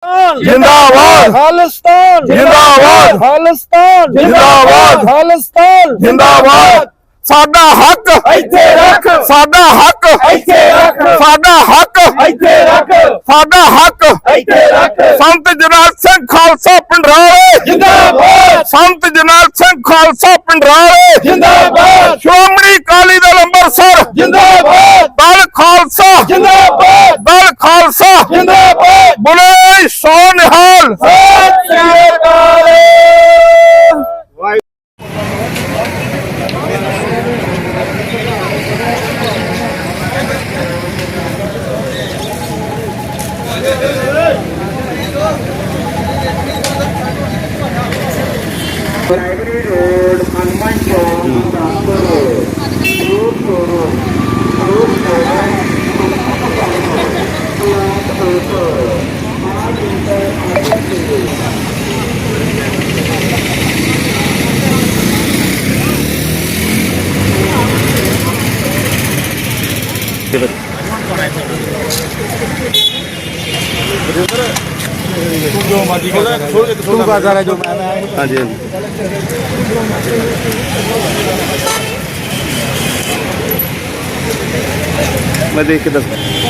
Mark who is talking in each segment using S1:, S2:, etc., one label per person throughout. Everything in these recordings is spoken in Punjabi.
S1: जिंदाबाद खालिस्तान जिंदाबाद खालिस्तान जिंदाबाद खालिस्तान जिंदाबाद साडा हक इत्थे रख साडा हक इत्थे रख साडा हक इत्थे रख साडा हक इत्थे रख संत जरनैल सिंह खालसा पिंडराले जिंदाबाद संत जरनैल सिंह खालसा पिंडराले जिंदाबाद श्रोमणी अकाली दल अंमृतसर जिंदाबाद दल खालसा जिंदाबाद दल खालसा जिंदाबाद बोले सो निहाल सत श्री अकाल।
S2: प्राइमरी रोड हनुमान चौक
S3: हाँ जी मैं देख के दस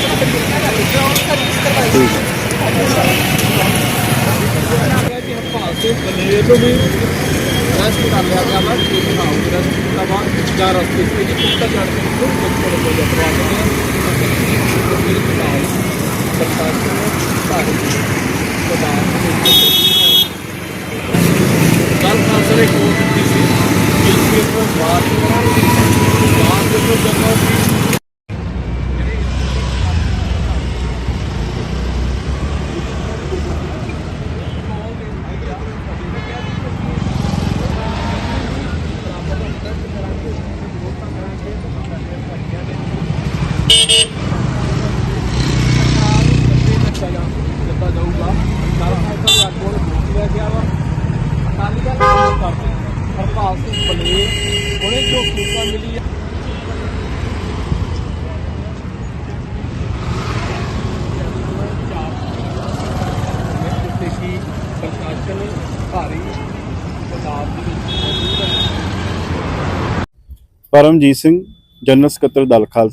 S4: कल खालसा ने कोर्ट की सी जिसके ऊपर बात जाऊगा गया वा अकाली दल करके हरपाल सिंह बलेर उन्हें जो सूचना मिली है जिससे कि प्रशासन भारी तादाद मौजूद है।
S3: परमजीत सिंह जनरल ਸਕੱਤਰ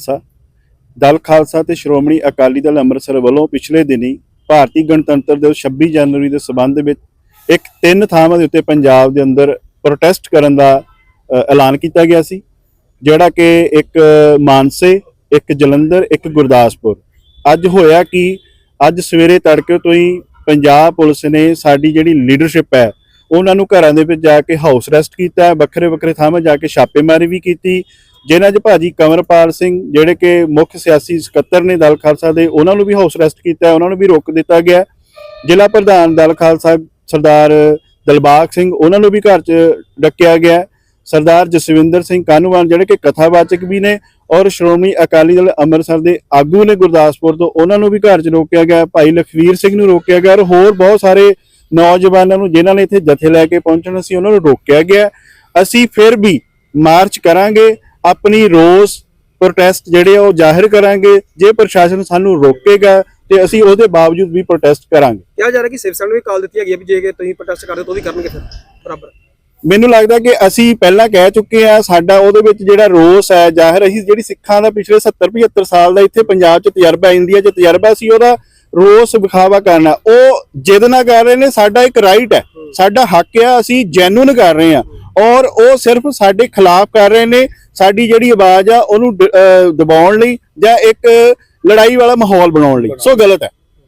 S3: दल खालसा ते श्रोमणी अकाली दल ਅੰਮ੍ਰਿਤਸਰ ਵੱਲੋਂ पिछले दिनी ਭਾਰਤੀ ਗਣਤੰਤਰ ਦਿਵਸ 26 ਜਨਵਰੀ ਦੇ ਸਬੰਧ ਵਿੱਚ ਇੱਕ 3 ਥਾਵਾਂ ਦੇ ਉੱਤੇ ਪੰਜਾਬ ਦੇ ਅੰਦਰ ਪ੍ਰੋਟੈਸਟ ਕਰਨ ਦਾ ਐਲਾਨ ਕੀਤਾ ਗਿਆ ਸੀ, ਜਿਹੜਾ ਕਿ ਇੱਕ ਮਾਨਸੇ, ਇੱਕ ਜਲੰਧਰ, ਇੱਕ ਗੁਰਦਾਸਪੁਰ। ਅੱਜ ਹੋਇਆ ਕਿ ਅੱਜ ਸਵੇਰੇ ਤੜਕੇ ਤੋਂ ਹੀ ਪੰਜਾਬ ਪੁਲਿਸ ਨੇ ਸਾਡੀ ਜਿਹੜੀ ਲੀਡਰਸ਼ਿਪ ਹੈ ਉਹਨਾਂ ਨੂੰ ਘਰਾਂ ਦੇ ਵਿੱਚ ਜਾ ਕੇ ਹਾਊਸ ਅਰੈਸਟ ਕੀਤਾ, ਵੱਖਰੇ ਵੱਖਰੇ ਥਾਵਾਂ ਜਾ ਕੇ ਛਾਪੇਮਾਰੀ ਵੀ ਕੀਤੀ, ਜਿਨ੍ਹਾਂ 'ਚ ਭਾਜੀ ਕੰਵਰਪਾਲ ਸਿੰਘ ਜਿਹੜੇ ਕਿ ਮੁੱਖ ਸਿਆਸੀ ਸਕੱਤਰ ਨੇ ਦਲ ਖਾਲਸਾ ਦੇ, ਉਹਨਾਂ ਨੂੰ ਵੀ ਹਾਊਸ ਅਰੈਸਟ ਕੀਤਾ, ਉਹਨਾਂ ਨੂੰ ਵੀ ਰੋਕ ਦਿੱਤਾ ਗਿਆ। ਜ਼ਿਲ੍ਹਾ ਪ੍ਰਧਾਨ ਦਲ ਖਾਲਸਾ ਸਰਦਾਰ ਦਿਲਬਾਗ ਸਿੰਘ, ਉਹਨਾਂ ਨੂੰ ਵੀ ਘਰ 'ਚ ਡੱਕਿਆ ਗਿਆ। ਸਰਦਾਰ ਜਸਵਿੰਦਰ ਸਿੰਘ ਕਾਨੂੰਵਾਨ ਜਿਹੜੇ ਕਿ ਕਥਾਵਾਚਕ ਵੀ ਨੇ ਔਰ ਸ਼੍ਰੋਮਣੀ ਅਕਾਲੀ ਦਲ ਅੰਮ੍ਰਿਤਸਰ ਦੇ ਆਗੂ ਨੇ ਗੁਰਦਾਸਪੁਰ ਤੋਂ, ਉਹਨਾਂ ਨੂੰ ਵੀ ਘਰ 'ਚ ਰੋਕਿਆ ਗਿਆ। ਭਾਈ ਲਖਵੀਰ ਸਿੰਘ ਨੂੰ ਰੋਕਿਆ ਗਿਆ ਔਰ ਹੋਰ ਬਹੁਤ ਸਾਰੇ ਨੌਜਵਾਨਾਂ ਨੂੰ ਜਿਨ੍ਹਾਂ ਨੇ ਇੱਥੇ ਜਥੇ ਲੈ ਕੇ ਪਹੁੰਚਣਾ ਸੀ ਉਹਨਾਂ ਨੂੰ ਰੋਕਿਆ ਗਿਆ। ਅਸੀਂ ਫਿਰ ਵੀ ਮਾਰਚ ਕਰਾਂਗੇ, ਆਪਣੀ ਰੋਸ ਪ੍ਰੋਟੈਸਟ ਜਿਹੜੇ ਉਹ ਜ਼ਾਹਿਰ ਕਰਾਂਗੇ। ਜੇ ਪ੍ਰਸ਼ਾਸਨ ਸਾਨੂੰ ਰੋਕੇਗਾ ਤੇ ਅਸੀਂ ਉਹਦੇ ਬਾਵਜੂਦ ਵੀ ਪ੍ਰੋਟੈਸਟ ਕਰਾਂਗੇ।
S5: ਕਿਹਾ ਜਾ ਰਿਹਾ ਕਿ ਸਿਵ ਸੈਨਾ ਨੂੰ ਵੀ ਕਾਲ ਦਿੱਤੀ ਹੈਗੀ ਵੀ ਜੇ ਤੁਸੀਂ ਪ੍ਰੋਟੈਸਟ ਕਰਦੇ ਤਾਂ ਉਹ ਵੀ ਕਰਨਗੇ ਫਿਰ ਬਰਾਬਰ।
S3: ਮੈਨੂੰ ਲੱਗਦਾ ਕਿ ਅਸੀਂ ਪਹਿਲਾਂ ਕਹਿ ਚੁੱਕੇ ਆ, ਸਾਡਾ ਉਹਦੇ ਵਿੱਚ ਜਿਹੜਾ ਰੋਸ ਹੈ ਜ਼ਾਹਿਰ, ਅਸੀਂ ਜਿਹੜੀ ਸਿੱਖਾਂ ਦਾ ਪਿਛਲੇ 70-75 ਸਾਲ ਦਾ ਇੱਥੇ ਪੰਜਾਬ 'ਚ ਤਜਰਬਾ, ਇੰਡੀਆ 'ਚ ਤਜਰਬਾ ਸੀ, ਉਹਦਾ ਰੋਸ ਵਿਖਾਵਾ ਕਰਨਾ, ਉਹ ਜਿੱਦ ਨਾ ਕਰ ਰਹੇ ਨੇ। ਸਾਡਾ ਇੱਕ ਰਾਈਟ ਹੈ, ਸਾਡਾ ਹੱਕ ਆ, ਅਸੀਂ ਜੈਨੂਨ ਕਰ ਰਹੇ ਹਾਂ ਔਰ ਉਹ ਸਿਰਫ ਸਾਡੇ ਖਿਲਾਫ ਕਰ ਰਹੇ ਨੇ। ਸਾਡੀ ਜਿਹੜੀ ਆਵਾਜ਼ ਆ ਉਹਨੂੰ ਦਬਾਉਣ ਲਈ ਜਾਂ ਇੱਕ ਲੜਾਈ ਵਾਲਾ ਮਾਹੌਲ ਬਣਾਉਣ ਲਈ, ਸੋ ਗਲਤ ਹੈ।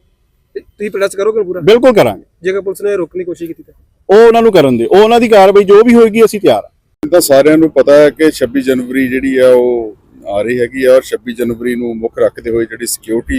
S5: ਤੁਸੀਂ ਪ੍ਰੋਟੈਸਟ ਕਰੋਗੇ ਪੂਰਾ?
S3: ਬਿਲਕੁਲ ਕਰਾਂਗੇ।
S5: ਜੇਕਰ ਪੁਲਿਸ ਨੇ ਰੋਕਣ ਦੀ ਕੋਸ਼ਿਸ਼ ਕੀਤੀ ਤਾਂ
S3: ਉਹ ਉਹਨਾਂ ਨੂੰ ਕਰਨ ਦੇ, ਉਹ ਉਹਨਾਂ ਦੀ ਕਾਰਵਾਈ ਜੋ ਵੀ ਹੋਏਗੀ ਅਸੀਂ ਤਿਆਰ ਹਾਂ।
S6: ਤਾਂ ਸਾਰਿਆਂ ਨੂੰ ਪਤਾ ਹੈ ਕਿ 26 ਜਨਵਰੀ ਜਿਹੜੀ ਆ ਉਹ ਆ ਰਹੀ ਹੈਗੀ ਆ ਔਰ 26 ਜਨਵਰੀ ਨੂੰ ਮੁੱਖ ਰੱਖਦੇ ਹੋਏ ਜਿਹੜੀ ਸਿਕਿਉਰਿਟੀ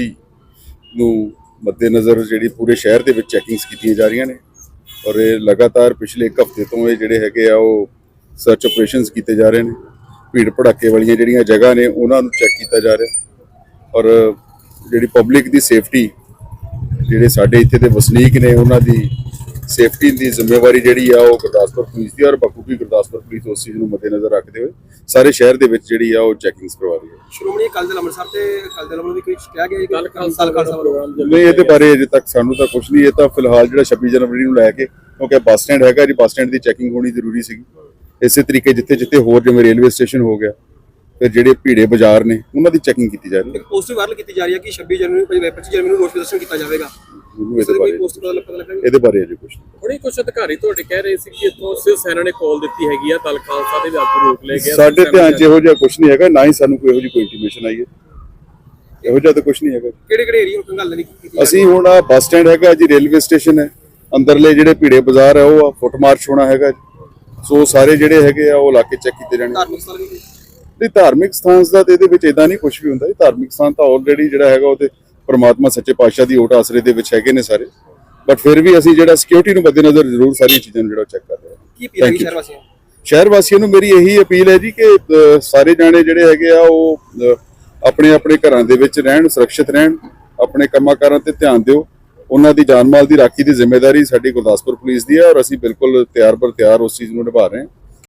S6: ਨੂੰ ਮੱਦੇਨਜ਼ਰ ਜਿਹੜੀ ਪੂਰੇ ਸ਼ਹਿਰ ਦੇ ਵਿੱਚ ਚੈਕਿੰਗਸ ਕੀਤੀਆਂ ਜਾ ਰਹੀਆਂ ਨੇ ਔਰ ਇਹ ਲਗਾਤਾਰ ਪਿਛਲੇ 1 ਹਫ਼ਤੇ ਤੋਂ ਇਹ ਜਿਹੜੇ ਹੈਗੇ ਆ ਉਹ ਸਰਚ ਆਪਰੇਸ਼ਨਸ ਕੀਤੇ ਜਾ ਰਹੇ ਨੇ। ਭੀੜ ਭੜਾਕੇ ਵਾਲੀਆਂ ਜਿਹੜੀਆਂ ਜਗ੍ਹਾ ਨੇ ਉਹਨਾਂ ਨੂੰ ਚੈੱਕ ਕੀਤਾ ਜਾ ਰਿਹਾ ਔਰ ਜਿਹੜੀ ਪਬਲਿਕ ਦੀ ਸੇਫਟੀ, ਜਿਹੜੇ ਸਾਡੇ ਇੱਥੇ ਦੇ ਵਸਨੀਕ ਨੇ ਉਹਨਾਂ ਦੀ ਸੇਫਟੀ ਦੀ ਜ਼ਿੰਮੇਵਾਰੀ ਜਿਹੜੀ ਆ ਉਹ ਗੁਰਦਾਸਪੁਰ ਪੁਲਿਸ ਦੀ, ਔਰ ਬਖੂਬੀ ਗੁਰਦਾਸਪੁਰ ਪੁਲਿਸ ਉਸ ਚੀਜ਼ ਨੂੰ ਮੱਦੇਨਜ਼ਰ ਰੱਖਦੇ ਹੋਏ ਸਾਰੇ ਸ਼ਹਿਰ ਦੇ ਵਿੱਚ ਜਿਹੜੀ ਆ ਉਹ ਚੈਕਿੰਗਸ ਕਰਵਾ ਰਹੀ ਹੈ।
S5: ਸ਼੍ਰੋਮਣੀ ਅਕਾਲੀ ਦਲ ਅੰਮ੍ਰਿਤਸਰ ਤੇ ਅਕਾਲੀ ਦਲ ਵੱਲੋਂ ਵੀ ਕੁਝ ਕਿਹਾ ਗਿਆ ਕਿ ਖਾਲਸਾ ਪ੍ਰੋਗਰਾਮ
S6: ਨਹੀਂ, ਇਹਦੇ ਬਾਰੇ ਅਜੇ ਤੱਕ ਸਾਨੂੰ ਤਾਂ ਕੁਝ ਨਹੀਂ। ਇਹ ਤਾਂ ਫਿਲਹਾਲ ਜਿਹੜਾ 26 ਜਨਵਰੀ ਨੂੰ ਲੈ ਕੇ, ਕਿਉਂਕਿ ਬੱਸ ਸਟੈਂਡ ਹੈਗਾ ਜੀ, ਬੱਸ ਸਟੈਂਡ ਦੀ ਚੈਕਿੰਗ ਹੋਣੀ ਜ਼ਰੂਰੀ ਸੀਗੀ। ਇਸੇ ਤਰੀਕੇ ਜਿੱਥੇ ਹੋਰ ਜਿਵੇਂ ਰੇਲਵੇ ਸਟੇਸ਼ਨ ਹੋ ਗਿਆ, ਫਿਰ ਜਿਹੜੇ ਭੀੜੇ ਬਾਜ਼ਾਰ ਨੇ ਉਹਨਾਂ ਦੀ ਚੈਕਿੰਗ ਕੀਤੀ ਜਾ ਰਹੀ ਹੈ।
S5: ਇੱਕ ਪੋਸਟ ਵਾਇਰਲ ਕੀਤੀ ਜਾ ਰਹੀ ਹੈ ਕਿ 26 ਜਨਵਰੀ 25 ਜਨਵਰੀ ਨੂੰ ਰੋਸ ਪ੍ਰਦਰਸ਼ਨ ਕੀਤਾ ਜਾਵੇਗਾ।
S6: ਮੈਨੂੰ
S5: ਇਸ
S6: ਇਹਦੇ
S5: ਕੋਈ
S6: ਬਾਰੇ
S5: ਪੋਸਟ ਪਤਾ ਲੱਗਾ?
S6: ਇਹਦੇ ਬਾਰੇ ਅਜੇ ਕੁਝ ਨਹੀਂ।
S4: ਹੁਣੇ ਕੁਝ ਅਧਿਕਾਰੀ ਤੁਹਾਡੇ ਕਹਿ ਰਹੇ ਸੀ ਕਿ ਇੱਥੋਂ ਸਿਵ ਸੈਨਾ ਨੇ ਕਾਲ ਦਿੱਤੀ ਹੈਗੀ ਆ, ਦਲ ਖਾਲਸਾ ਦੇ ਵੀ ਆਗੂ ਰੋਕ ਲਏ ਗਏ।
S6: ਸਾਡੇ ਧਿਆਨ 'ਚ ਇਹੋ ਜਿਹਾ ਕੁਝ ਨਹੀਂ ਹੈਗਾ, ਨਾ ਹੀ ਸਾਨੂੰ ਕੋਈ ਇਹੋ ਜਿਹੀ ਕੋਈ ਇੰਟੀਮੇਸ਼ਨ ਆਈ ਹੈ। ਇਹੋ ਜਿਹਾ ਤਾਂ ਕੁਝ ਨਹੀਂ ਹੈਗਾ।
S5: ਕਿਹੜੇ ਏਰੀਆ ਨੂੰ ਗੱਲ ਨਹੀਂ ਕੀਤੀ?
S6: ਅਸੀਂ ਹੁਣ ਆ ਬੱਸ ਸਟੈਂਡ ਹੈਗਾ ਜੀ, ਰੇਲਵੇ ਸਟੇਸ਼ਨ ਹੈ, ਅੰਦਰਲੇ ਜਿਹੜੇ ਭੀੜੇ ਬਾਜ਼ਾਰ ਹੈ ਉਹ ਫੁੱਟ ਮਾਰਚ ਹੋਣਾ ਹੈਗਾ। ਸੋ ਸਾਰੇ ਜਿਹੜੇ ਹੈਗੇ ਆ ਉਹ ਇਲਾਕੇ ਚੈੱਕ ਕੀਤੇ ਜਾਣਗੇ।
S5: ਧਾਰਮਿਕ ਸਥਲ ਵੀ
S6: ਨਹੀਂ, ਧਾਰਮਿਕ ਸਥਾਨ ਦਾ ਤੇ ਇਹਦੇ ਵਿੱਚ ਇਦਾਂ ਨਹੀਂ ਕੁਝ ਵੀ ਹੁੰਦਾ। ਧਾਰਮਿਕ ਸਥਾਨ ਤਾਂ ਆਲਰੇਡੀ ਜਿਹੜਾ ਹੈਗਾ ਉਹ ਤੇ ਪ੍ਰਮਾਤਮਾ ਸੱਚੇ ਪਾਤਸ਼ਾਹ ਦੀ ਓਟ ਆਸਰੇ ਦੇ ਵਿੱਚ ਹੈਗੇ ਨੇ ਸਾਰੇ, ਬਟ ਫਿਰ ਵੀ ਅਸੀਂ ਜਿਹੜਾ ਸਿਕਿਉਰਿਟੀ ਨੂੰ ਮੱਦੇਨਜ਼ਰ ਜ਼ਰੂਰ ਸਾਰੀਆਂ ਚੀਜ਼ਾਂ ਨੂੰ ਜਿਹੜਾ ਚੈੱਕ ਕਰ ਰਹੇ ਹਾਂ।
S5: ਕੀ ਅਪੀਲ ਹੈ ਸ਼ਹਿਰ ਵਾਸੀਆਂ?
S6: ਸ਼ਹਿਰ ਵਾਸੀਆਂ ਨੂੰ ਮੇਰੀ ਇਹੀ ਅਪੀਲ ਹੈ ਜੀ ਕਿ ਸਾਰੇ ਜਾਣੇ ਜਿਹੜੇ ਹੈਗੇ ਆ ਉਹ ਆਪਣੇ ਆਪਣੇ ਘਰਾਂ ਦੇ ਵਿੱਚ ਰਹਿਣ, ਸੁਰੱਖਿਅਤ ਰਹਿਣ, ਆਪਣੇ ਕੰਮਾਂ ਕਾਰਾਂ ਤੇ ਧਿਆਨ ਦਿਓ। ਉਹਨਾਂ ਦੀ ਜਾਨ ਮਾਲ ਦੀ ਰਾਖੀ ਦੀ ਜ਼ਿੰਮੇਵਾਰੀ ਸਾਡੀ ਗੁਰਦਾਸਪੁਰ ਪੁਲਿਸ ਦੀ ਹੈ, ਔਰ ਅਸੀਂ ਬਿਲਕੁਲ ਤਿਆਰ ਬਰ ਤਿਆਰ ਉਸ ਚੀਜ਼ ਨੂੰ ਨਿਭਾ ਰਹੇ ਹਾਂ।